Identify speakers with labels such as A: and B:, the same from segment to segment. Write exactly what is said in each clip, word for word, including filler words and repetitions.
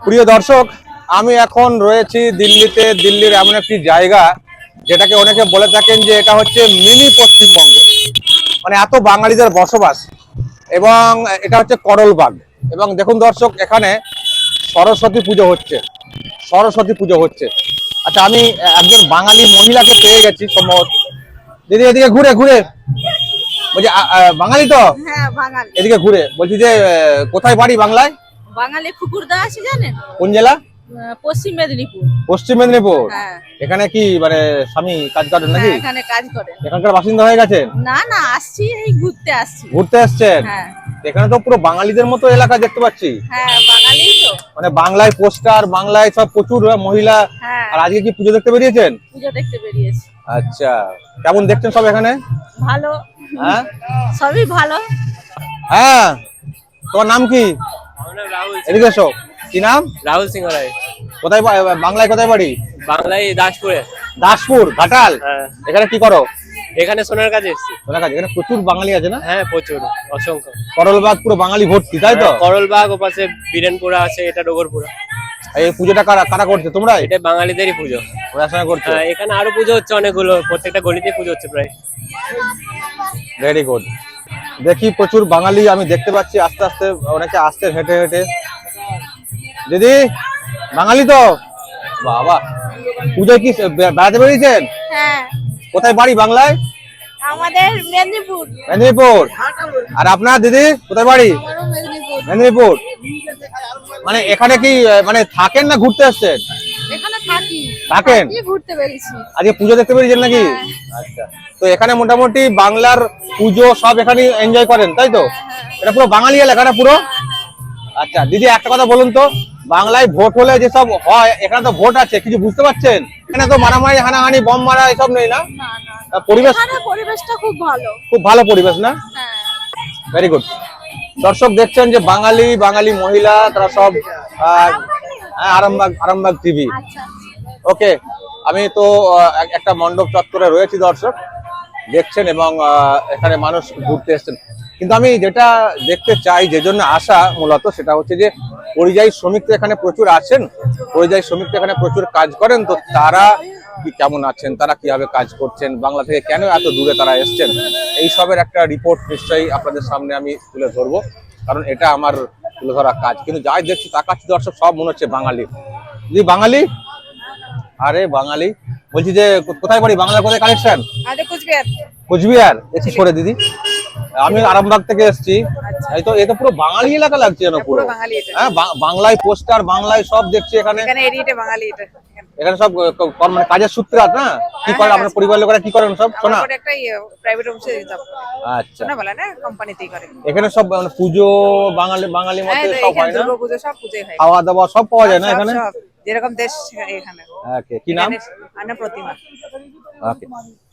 A: প্রিয় দর্শক, আমি এখন রয়েছি দিল্লিতে। দিল্লির এমন একটি জায়গা যেটাকে অনেকে বলে থাকেন যে এটা হচ্ছে মিনি পশ্চিমবঙ্গ, মানে এত বাঙালিদের বসবাস। এবং এটা হচ্ছে করলবাগ। এবং দেখুন দর্শক, এখানে সরস্বতী পুজো হচ্ছে, সরস্বতী পুজো হচ্ছে। আচ্ছা, আমি একজন বাঙালি মহিলাকে পেয়ে গেছি সম্ভবত। দিদি এদিকে ঘুরে ঘুরে বলছি, আ- আ, বাঙালি তো?
B: হ্যাঁ বাঙালি।
A: এদিকে ঘুরে বলছি যে আহ, কোথায় বাড়ি বাংলায়?
B: বাঙালি ফুকুরদা আছে জানেন?
A: কোন জেলা?
B: আহ, পশ্চিম মেদিনীপুর।
A: পশ্চিম মেদিনীপুর।
B: হ্যাঁ
A: এখানে কি মানে স্বামী কাজ করেন
B: হ্যাঁ
A: নাকি?
B: এখানে কাজ করেন।
A: এখানকার বাসিন্দা হয়ে গেছেন?
B: না না, আসছি এই ঘুরতে আসছি।
A: ঘুরতে আসছেন?
B: হ্যাঁ
A: এখানে তো পুরো বাঙালিদের মতো এলাকা দেখতে পাচ্ছি।
B: হ্যাঁ বাঙালি তো।
A: মানে বাংলায় পোস্টার, বাংলায় সব প্রচুর মহিলা।
B: হ্যাঁ
A: আর আজকে কি পুজো দেখতে বেরিয়েছেন?
B: পুজো দেখতে বেরিয়েছি।
A: আচ্ছা, কেমন দেখছেন সব এখানে?
B: ভালো।
A: হ্যাঁ
B: সবই ভালো।
A: হ্যাঁ, তোমার নাম কি?
C: আমার নাম রাহুল সিং।
A: এদিকে এসো। কি নাম?
C: রাহুল সিং রায়।
A: কোথায় বা- বাংলায় কোথায় বাড়ি?
C: বাংলায় দাসপুরে।
A: দাসপুর, ঘাটাল।
C: হ্যাঁ,
A: এখানে কি করো?
C: এখানে সোনার কাজে এসেছি।
A: সোনার কাজ। এখানে প্রচুর বাঙালি আছে না?
C: হ্যাঁ প্রচুর, অসংখ্য।
A: করলবাগ পুরো বাঙালি ভর্তি, তাই তো?
C: হ্যাঁ, করলবাগ ওপাশে বীরেনপুরা আছে, এটা ডগরপুরা।
A: এই পুজোটা কারা কারা করছে? তোমরা?
C: এটা বাঙালিদেরই পুজো।
A: পড়াশোনা করছো?
C: হ্যাঁ, এখানে আরো পুজো হচ্ছে অনেকগুলো, প্রত্যেকটা গলিতে পুজো হচ্ছে প্রায়।
A: Very good. দেখি প্রচুর বাঙালি আমি দেখতে পাচ্ছি, আস্তে আস্তে অনেকে আসছে হেঁটে হেঁটে। দিদি বাঙালি তো? বাবা, পুজোয় কি বে- বেড়াতে বেরিয়েছেন?
B: হ্যাঁ
A: কোথায় বাড়ি বাংলায়?
B: আমাদের মেদিনীপুর।
A: মেদিনীপুর। আর আপনার দিদি কোথায় বাড়ি?
B: আমারও মেদিনীপুর।
A: মেদিনীপুর। মানে এখানে কি আহ, মানে থাকেন না ঘুরতে আসছেন?
B: এখানে থাকি।
A: থাকেন?
B: থাকি, ঘুরতে বেরিয়েছি।
A: আজকে পুজো দেখতে পেরেছেন নাকি?
B: হ্যাঁ।
A: আচ্ছা, তো এখানে মোটামুটি বাংলার পুজো সব এখানে এনজয় করেন, তাই তো? এটা পুরো বাঙালি এলাকাটা পুরো। আচ্ছা দিদি, একটা কথা বলুন তো, বাংলায় ভোট হলে যেসব হয়, এখানে তো ভোট আছে, কিছু বুঝতে পারছেন? এখানে তো মারামারি, হানাহানি, বম মারা এসব নেই না?
B: না না,
A: আহ, পরিবেশ
B: এখানে পরিবেশটা খুব ভালো।
A: খুব ভালো পরিবেশ না?
B: হ্যাঁ
A: ভেরি গুড। দর্শক দেখছেন যে বাঙালি বাঙালি মহিলা তারা সব আহ, আরামবাগ আরামবাগ টিভি।
B: আচ্ছা
A: ওকে, আমি তো আহ, এক- একটা মণ্ডপ চত্বরে রয়েছি দর্শক, দেখছেন, এবং আহ, এখানে মানুষ ঘুরতে এসছেন। কিন্তু আমি যেটা দেখতে চাই, যে জন্য আসা মূলত, সেটা হচ্ছে যে পরিযায়ী শ্রমিক তো এখানে প্রচুর আছেন, পরিযায়ী শ্রমিক তো এখানে প্রচুর কাজ করেন। তো তারা কি কেমন আছেন, তারা কিভাবে কাজ করছেন, বাংলা থেকে কেন এত দূরে তারা এসছেন, এই সবের একটা রিপোর্ট নিশ্চয়ই আপনাদের সামনে আমি তুলে ধরবো, কারণ এটা আমার তুলে ধরা কাজ। কিন্তু যাই দেখছি তাকাচ্ছি দর্শক, সব মনে হচ্ছে বাঙালি। জি বাঙালি। আরে বাঙালি, বলছি যে কো- কোথায় বাড়ি? বাংলা কোথায় কানেকশন?
B: আরে কুচবিহার।
A: কোচবিহার। একটু সরে দিদি, আমি আরামবাগ থেকে এসেছি। এই তো, এটা পুরো বাঙালি এলাকা লাগছে যেন পুরো।
B: বাঙালি এটা।
A: হ্যাঁ, বা- বাংলায় পোস্টার, বাংলায় সব দেখছি এখানে।
B: এখানে এরিয়াটা বাঙালি এটা।
A: এখানে সব ক- ক- কর- মানে কাজের সূত্রে আছে না? কি করে আপনার পরিবারের লোকেরা কি করেন সব? শোনা।
B: আমার একটা প্রাইভেট অফিসে জব করে।
A: আচ্ছা,
B: শোনা বলে না, কোম্পানিতেই করে।
A: এখানে সব মানে পুজো বাঙালি বাঙালি মতে
B: হ্যাঁ,
A: সব
B: এখানে
A: হয় না?
B: দুর্গাপুজো সব পুজোই হয়।
A: খাওয়া দাওয়া সব পাওয়া যায় না
B: সব,
A: এখানে?
B: সব। যেরকম দেশ এখানে।
A: ওকে, কি নাম?
B: আনা প্রতিমা।
A: ওকে,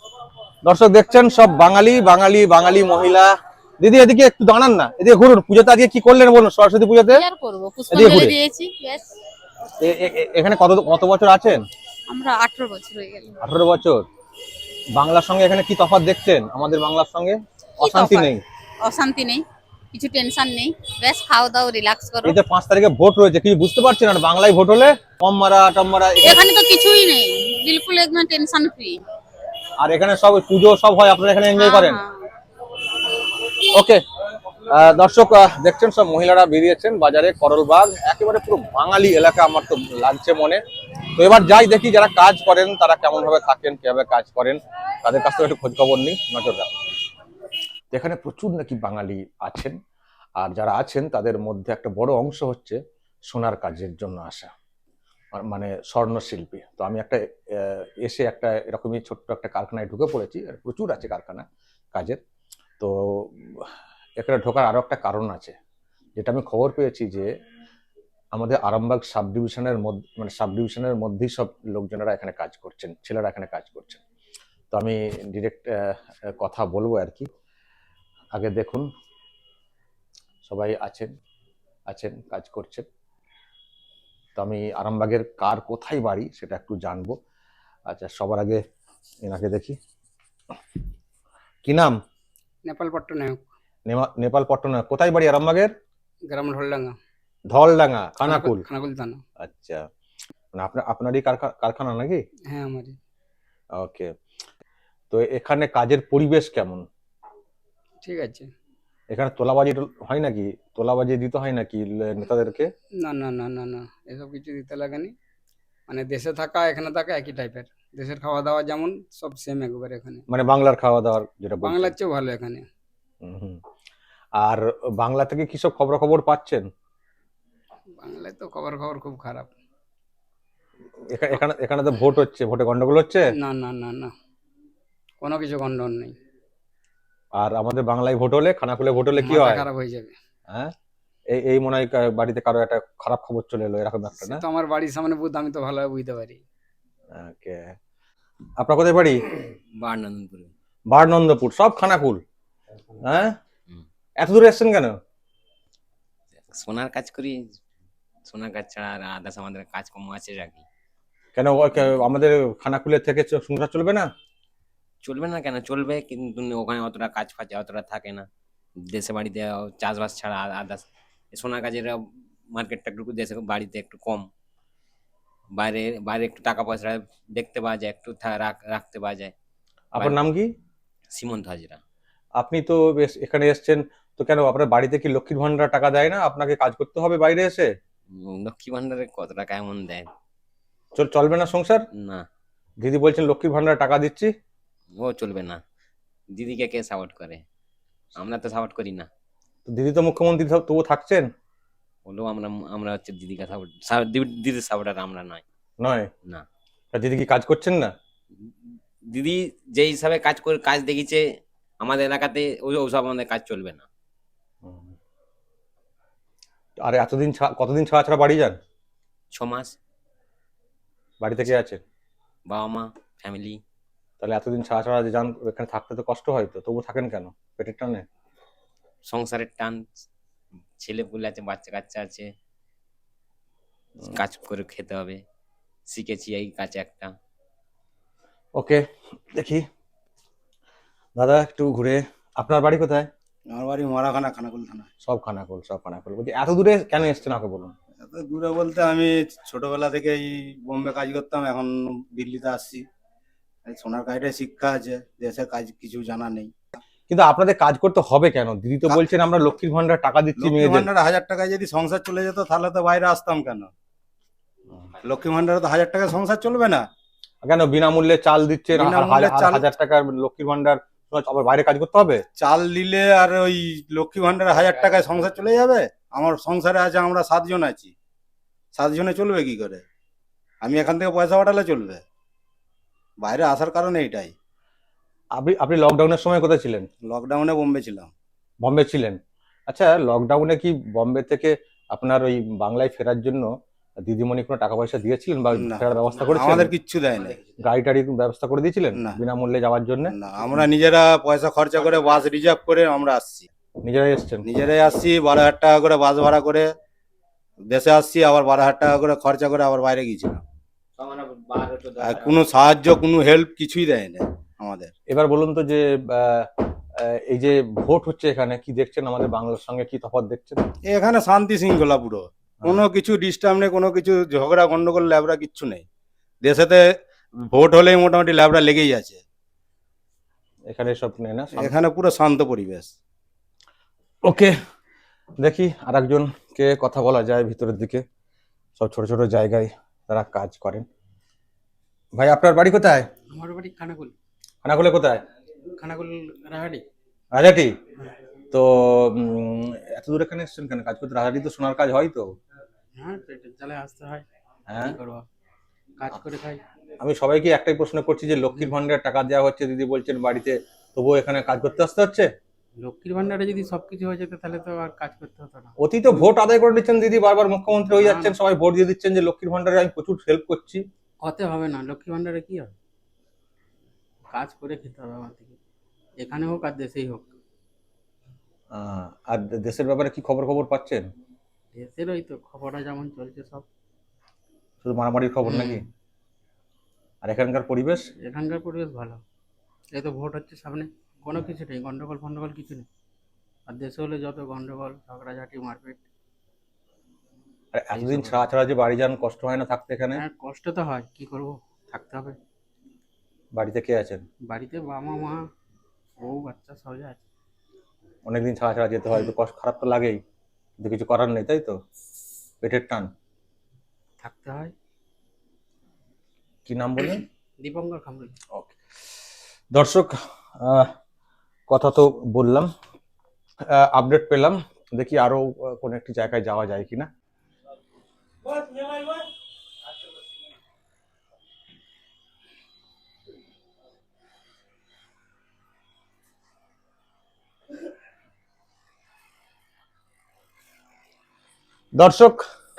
A: দর্শক দেখছেন সব বাঙালি বাঙালি বাঙালি মহিলা। দিদি এদিকে একটু দাঁড়ান না, এদিকে ঘুরুন। পুজোতে আজকে কি করলেন বলুন, সরস্বতী পুজোতে?
D: কি আর করবো,
A: এদিকে
D: পুষ্পাঞ্জলি
A: ঘুরে।
D: দিয়েছি ব্যাস।
A: এ- এ- এ- এখানে কত কত বছর আছেন?
D: আমরা আঠারো বছর হয়ে গেল।
A: আঠারো বছর। বাংলার সঙ্গে এখানে কি তফাৎ দেখছেন আমাদের বাংলার সঙ্গে?
D: কি
A: অশান্তি
D: তফাৎ?
A: নেই?
D: অশান্তি নেই, কিছু টেনশন নেই, ব্যাস খাও দাও, রিল্যাক্স করো।
A: এই যে পাঁচ তারিখে ভোট রয়েছে, কিছু বুঝতে পারছেন না? বাংলায় ভোট হলে কম মারা টম মারা এখানে-
D: এখানে তো কিছুই নেই, বিলকুল একদম টেনশন ফ্রি।
A: আর এখানে সব পুজো সব হয়, আপনারা এখানে এনজয় করেন? ওকে, দর্শক আহ, দেখছেন সব মহিলারা বেরিয়েছেন বাজারে। করলবাগ একেবারে পুরো বাঙালি এলাকা আমার তো লাগছে মনে। তো এবার যাই দেখি যারা কাজ করেন তারা কেমন ভাবে থাকেন, কিভাবে কাজ করেন, তাদের কাছ থেকে একটু খোঁজ খবর নিই, নজর রাখুন। এখানে প্রচুর নাকি বাঙালি আছেন, আর যারা আছেন তাদের মধ্যে একটা বড় অংশ হচ্ছে সোনার কাজের জন্য আসা, আর মানে স্বর্ণ শিল্পী। তো আমি একটা আহ, এসে একটা এরকমই ছোট্ট একটা কারখানায় ঢুকে পড়েছি, আর প্রচুর আছে কারখানা কাজের। তো এখানে ঢোকার আরো একটা কারণ আছে, যেটা আমি খবর পেয়েছি যে আমাদের আরামবাগ সাব ডিভিশনের মধ্যে, মানে সাব ডিভিশনের মধ্যেই সব লোকজনেরা এখানে কাজ করছেন, ছেলেরা এখানে কাজ করছেন। তো আমি ডিরেক্ট কথা বলবো আর কি। আগে দেখুন, সবাই আছেন আছেন কাজ করছেন। তো আমি আরামবাগের কার কোথায় বাড়ি সেটা একটু জানবো। আচ্ছা, সবার আগে এনাকে দেখি। কি নাম?
E: নেপাল পট্টনায়ক।
A: নেমা- নেপাল পট্টনায়ক। কোথায় বাড়ি আরামবাগের?
E: গ্রাম ঢোলডাঙ্গা।
A: ধলডাঙ্গা খানাকুল।
E: খানাকুল থানা।
A: আচ্ছা, মানে আপনার আপনারই কারখা- কারখানা নাকি?
E: হ্যাঁ আমারই।
A: ওকে, তো এখানে কাজের পরিবেশ কেমন?
E: ঠিক আছে।
A: এখানে তোলাবাজি টো- হয় নাকি? তোলাবাজি দিতে হয় নাকি লে- নেতাদেরকে?
E: না না না না না এসব কিছু দিতে লাগেনি। মানে দেশে থাকা এখানে থাকা একই টাইপের। দেশের খাওয়া দাওয়া যেমন সব সেম একবার এখানে।
A: মানে বাংলার খাওয়া দাওয়ার যেটা বলছেন।
E: বাংলার চেয়েও ভালো এখানে।
A: হুম, হুম। আর বাংলা থেকে কি সব খবরাখবর পাচ্ছেন?
E: বাংলায় তো খবর খবর খুব খারাপ।
A: এখা- এখানে এখানে তো ভোট হচ্ছে, ভোটে গন্ডগোল হচ্ছে।
E: না না না না কোনো কিছু গন্ডগোল নেই।
A: আর আমাদের বাংলায় ভোট হলে, খানাকুলে ভোট হলে কি
E: মাথা
A: হয়?
E: খারাপ হয়ে যাবে।
A: হ্যাঁ, এই এই মনে হয় কা- বাড়িতে কারো একটা খারাপ খবর চলে এলো, এরকম একটা
E: সে
A: না?
E: তো আমার বাড়ির সামনে বুধ, আমি তো ভালোভাবে বুঝতে পারি।
A: ওকে, আপনার কোথায় বাড়ি?
F: বারনন্দপুরে।
A: বারনন্দপুর, সব খানাকুল। হ্যাঁ,
F: হুম।
A: এত দূরে এসছেন কেন?
F: সোনার কাজ করি, সোনার কাজ ছাড়া আর আদার্স আমাদের কাজ কম আছে রাখি।
A: কেন ও- কে- আমাদের খানাকুলের থেকে চ- সংসার চলবে না?
F: চলবে না কেন, চলবে, কিন্তু ওখানে অতটা কাজ ফাজ অতটা থাকে না। দেশে বাড়িতে চাষবাস ছাড়া আদার্স সোনার কাজের মার্কেটটা একটু দেশে বাড়িতে একটু কম। বাইরে বাইরে একটু টাকা পয়সা দেখতে পাওয়া যায়, একটু থা- রাখ- রাখতে পাওয়া যায়।
A: আপনার নাম কি?
F: সীমন্ত হাজরা।
A: আপনি তো বেশ এখানে এসছেন, তো কেন আপনার বাড়িতে কি লক্ষ্মীর ভান্ডার টাকা দেয় না? আপনাকে কাজ করতে হবে বাইরে এসে?
F: উম, লক্ষ্মী ভান্ডারে কত টাকা এমন দেয়?
A: চল চলবে না সংসার?
F: না,
A: দিদি বলছেন লক্ষ্মীর ভান্ডার টাকা দিচ্ছি।
F: ও চলবে না। দিদিকে কে সাপোর্ট করে? আমরা তো সাপোর্ট করি না।
A: তো দিদি তো মুখ্যমন্ত্রী, সব তবু থাকছেন।
F: হলেও আমরা আমরা হচ্ছে দিদিকে সাপোর্ট, দিদির সাপোর্টার আমরা নয়।
A: নয়?
F: না,
A: তা দিদি কি কাজ করছেন না?
F: দিদি যে হিসাবে কাজ করে কাজ দেখিয়েছে আমাদের এলাকাতে, ওই ওসব আমাদের কাজ চলবে না।
A: আর এতদিন ছা- কতদিন ছাড়া ছাড়া বাড়ি যান?
F: ছ মাস।
A: বাড়ি থেকে আছেন?
F: বাবা মা ফ্যামিলি।
A: তাহলে এতদিন ছাড়া ছাড়া যে যান, এখানে থাকতে তো কষ্ট হয়, তো তবু থাকেন কেন? পেটের টানে?
F: সংসারের টান, ছেলে পুলে আছে, বাচ্চা কাচ্চা আছে, কাজ করে খেতে হবে, শিখেছি এই কাজ একটা।
A: ওকে, দেখি দাদা একটু ঘুরে। আপনার বাড়ি কোথায়?
G: আমার বাড়ি মরাখানা, খানাকুল থানা।
A: সব খানাকুল, সব খানাকুল। বলছি এত দূরে কেন এসছেন আগে বলুন।
G: এত দূরে বলতে আমি ছোটবেলা থেকেই বোম্বে কাজ করতাম, এখন দিল্লিতে আসছি। এই সোনার কাজটাই শিক্ষা আছে, দেশের কাজ কিছু জানা নেই।
A: কিন্তু আপনাদের কাজ করতে হবে কেন? দিদি তো
G: কা-
A: বলছেন আমরা লক্ষ্মীর ভান্ডার টাকা দিচ্ছি
G: লক্ষ্মী
A: মেয়েদের।
G: ভান্ডারে হাজার টাকায় যদি সংসার চলে যেত তাহলে তো বাইরে আসতাম কেন? লক্ষ্মী ভান্ডারে তো হাজার টাকায় সংসার চলবে না।
A: কেন বিনামূল্যে চাল দিচ্ছেন, আর
G: বিনামূল্যে
A: হাজার- আর
G: চাল-
A: হাজার টাকার লক্ষ্মীর ভান্ডার, আবার বাইরে কাজ করতে হবে?
G: চাল দিলে আর ওই লক্ষ্মী ভান্ডারে হাজার টাকায় সংসার চলে যাবে? আমার সংসারে আছে, আমরা সাতজন আছি, সাতজনে চলবে কি করে? আমি এখান থেকে পয়সা পাঠালে চলবে? বাইরে আসার কারণ এইটাই।
A: আপনি আপনি লকডাউনের সময় কোথায় ছিলেন?
G: লকডাউনে বোম্বে ছিলাম।
A: বম্বে ছিলেন? আচ্ছা, লকডাউনে কি বম্বে থেকে আপনার ওই বাংলায় ফেরার জন্য দিদিমণি কোনো টাকা পয়সা দিয়েছিলেন বা
G: না,
A: ফেরার ব্যবস্থা করেছিলেন?
G: আমাদের কিচ্ছু দেয় না।
A: গাড়ি টাড়ি ব্যবস্থা করে দিয়েছিলেন
G: না।
A: বিনামূল্যে যাওয়ার জন্য?
G: না, আমরা নিজেরা পয়সা খরচা করে বাস রিজার্ভ করে আমরা আসছি,
A: নিজেরাই এসছেন?
G: নিজেরাই আসছি। বারো হাজার টাকা করে বাস ভাড়া করে দেশে আসছি, আবার বারো হাজার টাকা করে খরচা করে আবার বাইরে গিয়েছিলাম। আর কোনো সাহায্য, কোনো হেল্প কিছুই দেয় না আমাদের।
A: এবার বলুন তো যে আহ, আহ, এই যে ভোট হচ্ছে এখানে, কি দেখছেন আমাদের বাংলার সঙ্গে কি তফাৎ দেখছেন?
G: এখানে শান্তি শৃঙ্খলা পুরো, কোনো কিছু ডিস্টার্ব নেই, কোনো কিছু ঝগড়া গন্ডগোল ল্যাবড়া কিচ্ছু নেই। দেশেতে ভোট হলেই মোটামুটি ল্যাবড়া লেগেই আছে।
A: এখানে সব নেই না?
G: এখানে পুরো শান্ত পরিবেশ।
A: ওকে, দেখি আর একজনকে কথা বলা যায় ভিতরের দিকে। সব ছোট ছোট জায়গায় তারা কাজ করেন। ভাই আপনার বাড়ি কোথায়?
E: আমার বাড়ি খানাকুল।
A: খানাকুলে কোথায়?
E: খানাকুল রাহাটি।
A: রাজাটি? তো উম, এত দূরে এখানে এসছেন কেন কাজ করতে? রাজাটি তো সোনার কাজ হয় তো।
E: হ্যাঁ পেটের জ্বালে আসতে হয়,
A: হ্যাঁ,
E: কি করবো, কাজ করে খাই।
A: আমি সবাইকে একটাই প্রশ্ন করছি যে লক্ষ্মীর ভান্ডার টাকা দেওয়া হচ্ছে, দিদি বলছেন বাড়িতে, তবুও এখানে কাজ করতে আসতে হচ্ছে।
E: লক্ষ্মীর ভান্ডারে যদি সবকিছু হয়ে যেত তাহলে তো আর কাজ করতে হতো না।
A: অতি তো ভোট আদায় করে নিচ্ছেন দিদি, বারবার মুখ্যমন্ত্রী হয়ে
E: না,
A: যাচ্ছেন,
E: না।
A: সবাই ভোট দিয়ে দিচ্ছেন যে লক্ষ্মীর ভান্ডারে আমি প্রচুর হেল্প করছি।
E: হতে হবে না, লক্ষ্মী ভান্ডারে কি হবে? কাজ করে খেতে হবে আমার থেকে, এখানে হোক আর দেশেই হোক।
A: আহ, আর দেশের ব্যাপারে কি খবর খবর পাচ্ছেন?
E: দেশের ওই তো খবরটা যেমন চলছে সব।
A: শুধু মারামারির খবর
E: হুম।
A: নাকি? আর এখানকার পরিবেশ?
E: এখানকার পরিবেশ ভালো। এই তো ভোট হচ্ছে সামনে, কোনো কিছু নেই, গন্ডগোল ফন্ডগোল কিছু নেই। আর দেশে হলে যত গন্ডগোল ঝগড়াঝাটি মারপিট।
A: আর এতদিন ছাড়া ছাড়া যে বাড়ি যান, কষ্ট হয় না থাকতে এখানে?
H: হ্যাঁ কষ্ট তো হয়, কি করব, থাকতে হবে।
A: বাড়িতে কে আছেন?
H: বাড়িতে বাবা মা বউ বাচ্চা সবাই আছে।
A: অনেকদিন ছাড়া ছাড়া যেতে হয়, তো কষ্ট খারাপ তো লাগেই, কিন্তু কিছু করার নেই, তাই তো? পেটের টান।
H: থাকতে হয়।
A: কি নাম বললেন?
H: দীপঙ্কর খামরুই।
A: ওকে দর্শক, আহ, কথা তো বললাম, আপডেট পেলাম, দেখি আরো আহ, কোনো একটি জায়গায় যাওয়া যায় কিনা। দর্শক,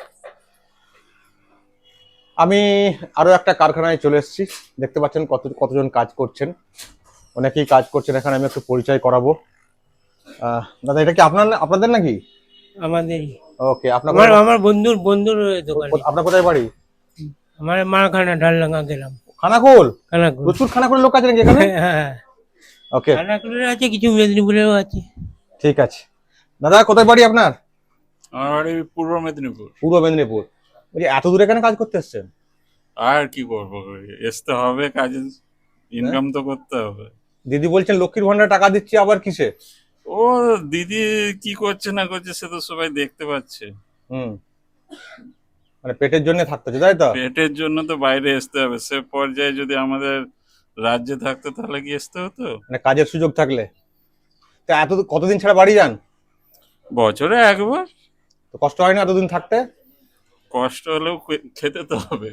A: আমি আরো একটা কারখানায় চলে এসেছি, দেখতে পাচ্ছেন কত কতজন কাজ করছেন, অনেকেই কাজ করছেন এখানে। আমি একটু পরিচয় করাবো। আহ, দাদা, এটা কি আপনার আপনাদের নাকি?
I: আমাদের
A: ওকে, আপনার
I: আমার আমার বন্ধুর বন্ধুর দোকানে।
A: আপনার কোথায় বাড়ি?
I: আমার মাখানা ঢালডাঙ্গা গেলাম।
A: খানাকুল?
I: খানাকুল।
A: প্রচুর খানাকুলের লোক আছে নাকি এখানে?
I: হ্যাঁ,
A: ওকে,
I: খানাকুলের আছে, কিছু মেদিনীপুরেও আছে।
A: ঠিক আছে। দাদা, কোথায় বাড়ি আপনার?
J: আমার বাড়ি পূর্ব মেদিনীপুর।
A: পূর্ব মেদিনীপুর। বলছি, এত দূরে কেন কাজ করতে এসছেন?
J: আর কি করবো, আসতে হবে, কাজে ইনকাম তো করতে হবে।
A: দিদি বলছেন লক্ষ্মীর ভান্ডার টাকা দিচ্ছি, আবার কিসে?
J: ও দিদি কি করছে না করছে সে তো সবাই দেখতে পাচ্ছে।
A: হুম, মানে পেটের জন্য থাকতে হচ্ছে, তাই তো?
J: পেটের জন্য তো বাইরে আসতে হবে, সে পর্যায়ে যদি আমাদের রাজ্যে থাকতো তাহলে কি আসতে হতো?
A: মানে কাজের সুযোগ থাকলে। তা এত কতদিন ছাড়া বাড়ি যান?
J: বছরে একবার।
A: তো কষ্ট হয় না এতদিন থাকতে?
J: কষ্ট হলেও খে- খেতে তো হবে।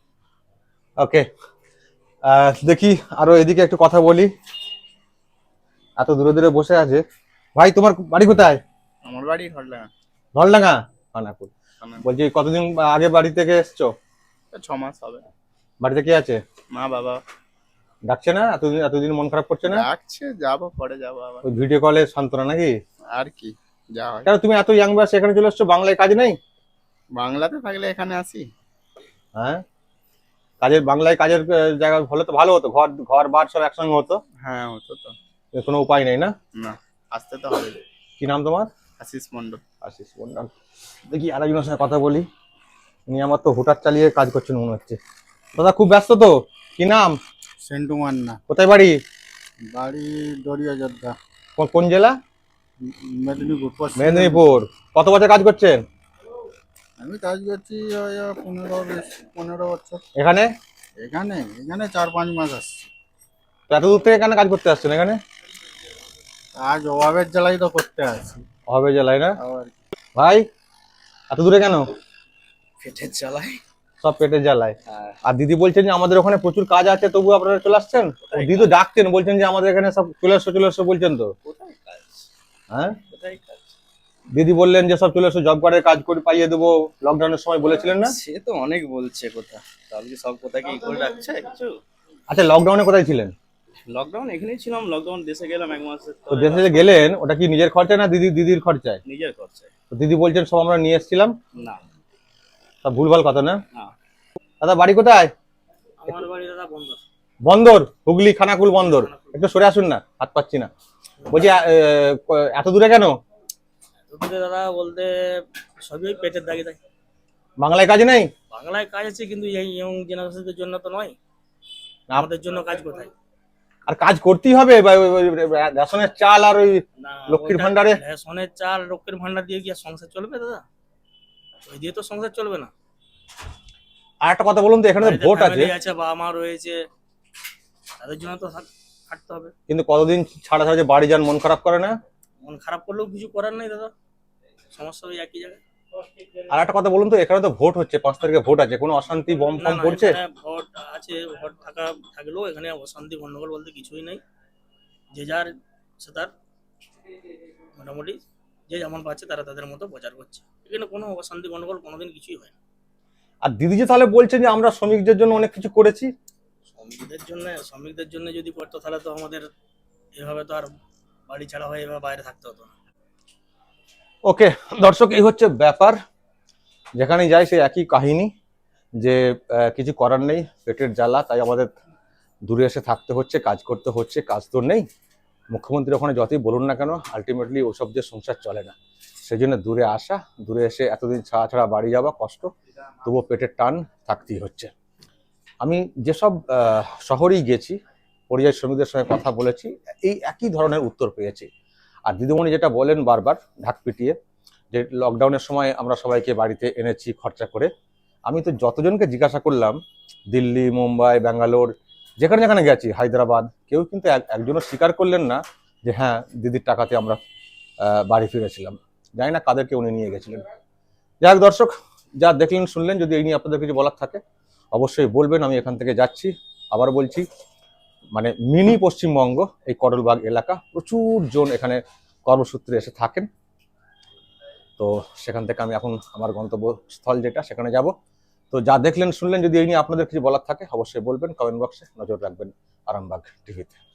A: ওকে, দেখি আরো এদিকে একটু কথা বলি। এত দূরে দূরে বসে আছে। ভাই, তোমার বাড়ি কোথায়?
K: আমার বাড়ি ঢলডাঙ্গা।
A: ঢলডাঙ্গা, খানাকুল। বলছি, কতদিন আগে বাড়ি থেকে এসছো?
K: ছ মাস হবে।
A: বাড়িতে কে আছে?
K: মা বাবা।
A: ডাকছে না? এতদিন এতদিন মন খারাপ করছে না?
K: ডাকছে, যাবো, পরে যাবো আবার।
A: ওই ভিডিও কলে সান্ত্বনা নাকি?
K: আর কি, যা হয়।
A: কেন তুমি এত ইয়াং বয়সে এখানে চলে এসছো? বাংলায় কাজ নেই?
K: বাংলাতে থাকলে এখানে আসি।
A: হ্যাঁ, কাজের বাংলায় কাজের আহ, জায়গা হলে তো ভালো হতো, ঘর ঘর বার সব একসঙ্গে হতো।
K: হ্যাঁ, হতো তো।
A: এর কোনো উপায় নেই না?
K: না, আসতে তো হবে।
A: কি নাম তোমার?
K: আশিস মন্ডল।
A: আশিস মন্ডল। দেখি আরেকজনের সঙ্গে কথা বলি। উনি আমার তো হোটার চালিয়ে কাজ করছেন মনে হচ্ছে। দাদা, খুব ব্যস্ত তো? কি নাম?
G: সেন্টু মান্না।
A: কোথায় বাড়ি?
G: বাড়ি দরিয়া যোদ্ধা,
A: কোন- কোন জেলা?
G: মেদিনীপুর, পশ্চিম
A: মেদিনীপুর। কত বছর কাজ করছেন
G: আমি কাজ করছি ওই পনেরো বেশ পনেরো বছর।
A: এখানে?
G: এখানে এখানে চার পাঁচ মাস আসছি।
A: তো এত দূর থেকে এখানে কাজ করতে আসছেন এখানে?
G: কাজ অভাবের জ্বালাই তো করতে আসি।
A: হবে জেলায় না?
G: আবার
A: ভাই, এত দূরে কেন?
K: পেটের জ্বালায়।
A: সব পেটের জ্বালায়।
K: হ্যাঁ।
A: আর দিদি বলছেন যে আমাদের ওখানে প্রচুর কাজ আছে, তবু আপনারা চলে আসছেন। ও দিদি তো ডাকছেন, বলছেন যে আমাদের এখানে সব চলে এসো চলে এসো বলছেন তো।
K: কোথায় কাজ?
A: হ্যাঁ,
K: কোথায় কাজ?
A: দিদি বললেন যে সব চলে এসো, জব কার্ডের কাজ করে পাইয়ে দেবো, লকডাউনের সময় বলেছিলেন না?
K: সে তো অনেক বলছে কথা, তাহলে কি সব কথা কি করে রাখছে কিছু?
A: আচ্ছা, লকডাউনে কোথায় ছিলেন?
K: লকডাউন এখানেই ছিলাম, লকডাউন দেশে গেলাম এক মাসে।
A: তো দেশে যে গেলেন, ওটা কি নিজের খরচায় না দিদি দিদির খরচায়?
K: নিজের খরচায়।
A: তো দিদি বলছেন সব আমরা নিয়ে এসেছিলাম।
K: না,
A: সব ভুলভাল কথা না?
K: না।
A: দাদা, বাড়ি কোথায়?
I: আমার বাড়ি দাদা বন্ধ।
A: বন্দর, হুগলি খানাকুল বন্দর। একটু সরে আসুন না, হাত পাচ্ছি না। বলছি, আহ, এত দূরে কেন?
I: দূরে দাদা বলতে সবই ওই পেটের দাগে থাকে।
A: বাংলায় কাজ নেই?
I: বাংলায় কাজ আছে, কিন্তু এই ইয়ং জেনারেশনের জন্য তো নয়।
A: না।
I: আমাদের জন্য কাজ কোথায়?
A: আর কাজ করতেই হবে, বা ওই- ওই রেশনের চাল আর ওই
I: না,
A: লক্ষ্মীর
I: ওটা
A: ভান্ডারে?
I: রেশনের চাল, লক্ষ্মীর ভান্ডার দিয়ে কি আর সংসার চলবে দাদা? ওই দিয়ে তো সংসার চলবে না।
A: আর একটা কথা বলুন তো, এখানে তো
I: বাড়িতে
A: ভোট আছে,
I: family আছে, বাবা মা রয়েছে, তাদের জন্য তো থাক- খাটতে হবে।
A: কিন্তু কতদিন ছাড়া ছাড়া যে বাড়ি যান, মন খারাপ করে না?
I: মন খারাপ করলেও কিছু করার নেই দাদা, সমস্যা ওই একই জায়গায়।
A: আর একটা কথা বলুন তো, এখানে তো ভোট হচ্ছে, পাঁচ তারিখে ভোট আছে, কোনো অশান্তি বম
I: না
A: ফম
I: না,
A: পড়ছে?
I: এখানে ভোট আছে, ভোট থাকা থাকলেও এখানে অশান্তি গন্ডগোল বলতে কিছুই নেই। যে যার সে তার মোটামুটি যে যেমন পাচ্ছে তারা তাদের মতো প্রচার করছে। এখানে কোনো অশান্তি গন্ডগোল কোনোদিন কিছুই হয় না।
A: আর দিদি যে তাহলে বলছেন যে আমরা শ্রমিকদের জন্য অনেক কিছু করেছি।
I: শ্রমিকদের জন্য শ্রমিকদের জন্য যদি করতো তাহলে তো আমাদের এভাবে তো আর বাড়ি ছাড়া হয়ে এভাবে বাইরে থাকতে হতো না।
A: ওকে দর্শক, এই হচ্ছে ব্যাপার। যেখানেই যাই সেই একই কাহিনী, যে আহ, কিছু করার নেই, পেটের জ্বালা, তাই আমাদের দূরে এসে থাকতে হচ্ছে, কাজ করতে হচ্ছে। কাজ তো নেই, মুখ্যমন্ত্রী ওখানে যতই বলুন না কেন, আলটিমেটলি ওসব যে সংসার চলে না। সেই জন্য দূরে আসা, দূরে এসে এতদিন ছাড়া ছাড়া বাড়ি যাওয়া কষ্ট, তবুও পেটের টান থাকতেই হচ্ছে। আমি যেসব আহ, শহরেই গেছি, পরিযায়ী শ্রমিকদের সঙ্গে কথা বলেছি, এই একই ধরনের উত্তর পেয়েছি। আর দিদিমণি যেটা বলেন বারবার ঢাক পিটিয়ে, যে লকডাউনের সময় আমরা সবাইকে বাড়িতে এনেছি খরচা করে, আমি তো যতজনকে জিজ্ঞাসা করলাম, দিল্লি, মুম্বাই, ব্যাঙ্গালোর, যেখানে যেখানে গেছি, হায়দ্রাবাদ, কেউ কিন্তু এক- একজনও স্বীকার করলেন না যে হ্যাঁ দিদির টাকাতে আমরা আহ, বাড়ি ফিরেছিলাম। জানি না কাদেরকে উনি নিয়ে গেছিলেন। যাই হোক দর্শক, যা দেখলেন শুনলেন, যদি এই নিয়ে আপনাদের কিছু বলার থাকে অবশ্যই বলবেন। আমি এখান থেকে যাচ্ছি, আবার বলছি, মানে মিনি পশ্চিমবঙ্গ এই করলবাগ এলাকা, প্রচুর জন এখানে কর্মসূত্রে এসে থাকেন। তো সেখান থেকে আমি এখন আমার গন্তব্যস্থল যেটা, সেখানে যাব। তো যা দেখলেন শুনলেন, যদি এই নিয়ে আপনাদের কিছু বলার থাকে অবশ্যই বলবেন, কমেন্ট বক্সে নজর রাখবেন আরামবাগ টিভিতে।